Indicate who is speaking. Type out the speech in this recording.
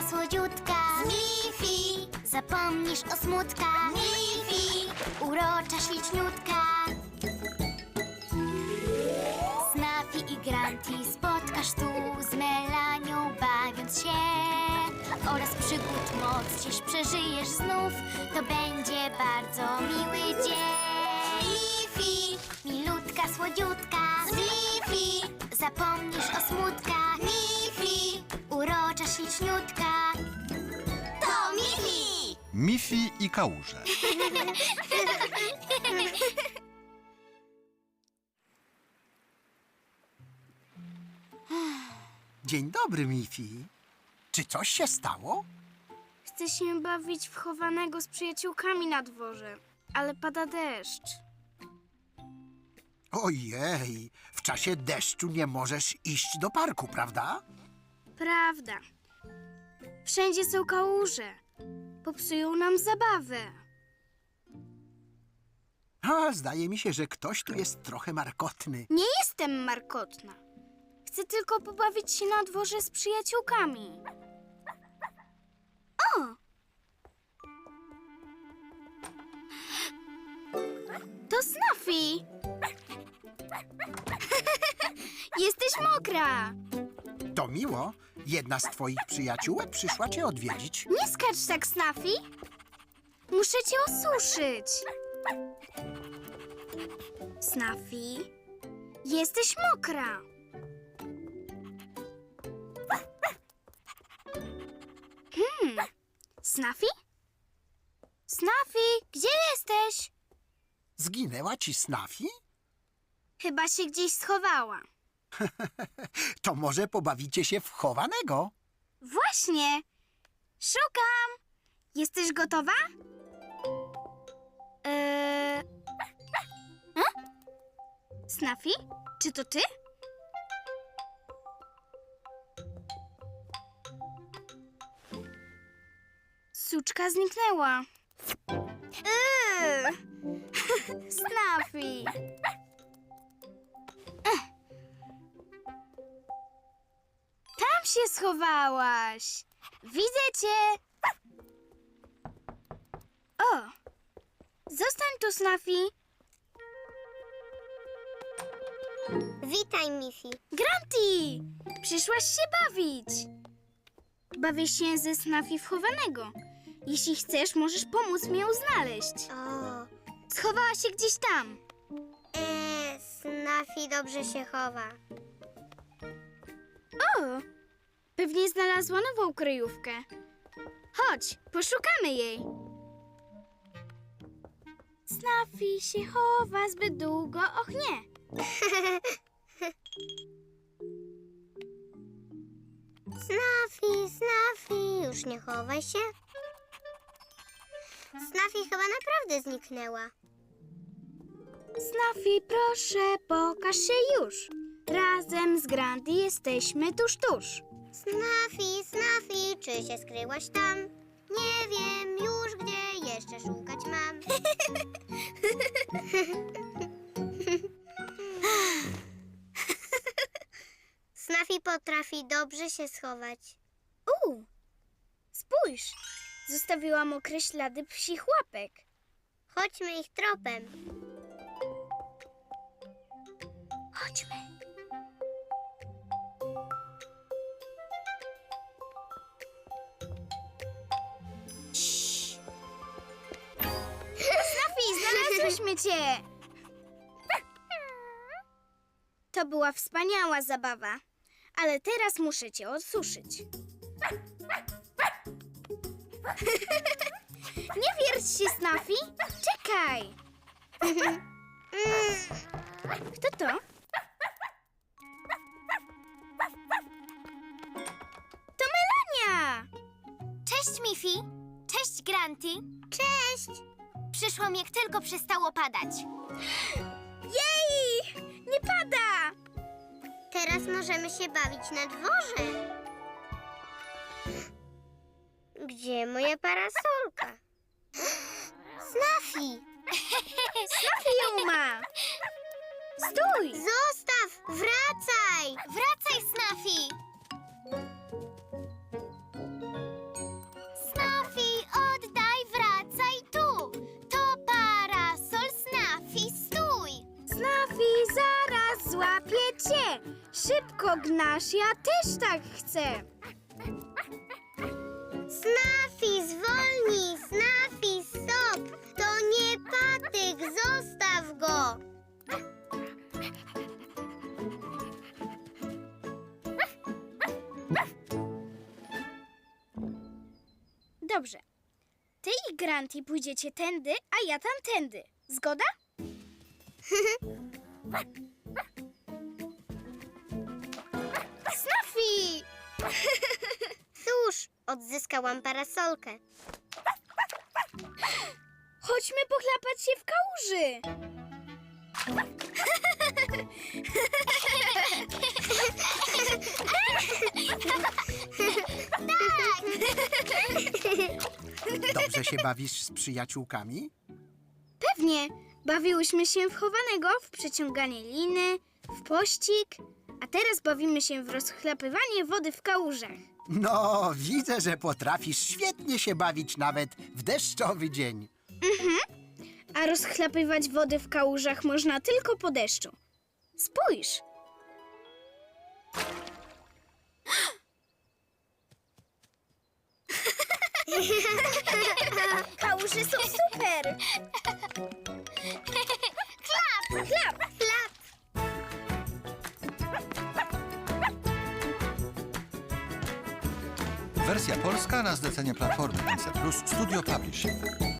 Speaker 1: słodziutka. Z Miffy zapomnisz o smutkach. Miffy urocza, śliczniutka. Snuffy i Granty spotkasz tu, z Melanią bawiąc się. Oraz przygód moc dziś przeżyjesz znów. To będzie bardzo miły dzień. Miffy, milutka, słodziutka. Z Miffy zapomnisz o smutkach. Miffy, urocza, śliczniutka. To Miffy!
Speaker 2: Miffy i kałuże.
Speaker 3: Dzień dobry, Miffy. Czy coś się stało?
Speaker 4: Chcę się bawić w chowanego z przyjaciółkami na dworze, ale pada deszcz.
Speaker 3: Ojej, w czasie deszczu nie możesz iść do parku, prawda?
Speaker 4: Prawda. Wszędzie są kałuże. Popsują nam zabawę.
Speaker 3: Zdaje mi się, że ktoś tu jest trochę markotny.
Speaker 4: Nie jestem markotna. Chcę tylko pobawić się na dworze z przyjaciółkami. O! To Snuffy! Jesteś mokra!
Speaker 3: To miło. Jedna z twoich przyjaciółek przyszła cię odwiedzić.
Speaker 4: Nie skacz tak, Snuffy! Muszę cię osuszyć. Snuffy, jesteś mokra. Snuffy? Snuffy, gdzie jesteś?
Speaker 3: Zginęła ci Snuffy?
Speaker 4: Chyba się gdzieś schowała.
Speaker 3: To może pobawicie się w chowanego?
Speaker 4: Właśnie. Szukam. Jesteś gotowa? Snuffy, czy to ty? Suczka zniknęła. Snuffy. Tam się schowałaś. Widzę cię. O, zostań tu, Snuffy.
Speaker 1: Witaj, Miffy.
Speaker 4: Granty, przyszłaś się bawić. Bawię się ze Snuffy w chowanego. Jeśli chcesz, możesz pomóc mi ją znaleźć.
Speaker 1: O,
Speaker 4: Schowała się gdzieś tam.
Speaker 1: Snuffy dobrze się chowa.
Speaker 4: O, pewnie znalazła nową kryjówkę. Chodź, poszukamy jej. Snuffy się chowa zbyt długo, och nie.
Speaker 1: Snuffy, już nie chowaj się. Snuffy chyba naprawdę zniknęła.
Speaker 4: Snuffy, proszę, pokaż się już. Razem z Granty jesteśmy tuż, tuż.
Speaker 1: Snuffy, czy się skryłaś tam? Nie wiem już, gdzie jeszcze szukać mam. Snuffy potrafi dobrze się schować.
Speaker 4: Spójrz, zostawiła mokre ślady psich łapek.
Speaker 1: Chodźmy ich tropem.
Speaker 4: Chodźmy. Snuffy, znalazłyśmy cię! To była wspaniała zabawa, ale teraz muszę cię odsuszyć. Nie wierć się, Snuffy! Czekaj! Kto to? To Melania!
Speaker 1: Cześć, Miffy. Cześć, Granty. Cześć. Przyszłam, jak tylko przestało padać.
Speaker 4: Jej! Nie pada!
Speaker 1: Teraz możemy się bawić na dworze. Gdzie moja parasolka? Snuffy!
Speaker 4: Snuffy ją ma! Stój!
Speaker 1: Zostaw! Wracaj! Wracaj, Snuffy!
Speaker 4: szybko gnasz, ja też tak chcę.
Speaker 1: Snafi, zwolnij! Snafi, stop! To nie patyk, zostaw go!
Speaker 4: Dobrze. Ty i Granty pójdziecie tędy, a ja tamtędy. Zgoda?
Speaker 1: Snafi! Cóż, odzyskałam parasolkę.
Speaker 4: Chodźmy pochlapać się w kałuży.
Speaker 3: Dobrze się bawisz z przyjaciółkami?
Speaker 4: Pewnie. Bawiłyśmy się w chowanego, w przeciąganie liny, w pościg, a teraz bawimy się w rozchlapywanie wody w kałużach.
Speaker 3: No, widzę, że potrafisz świetnie się bawić nawet w deszczowy dzień.
Speaker 4: A rozchlapywać wody w kałużach można tylko po deszczu. Spójrz. Kałuże są super. Klap, klap, klap.
Speaker 2: Wersja polska na zlecenie Platformy NC Plus Studio Publishing.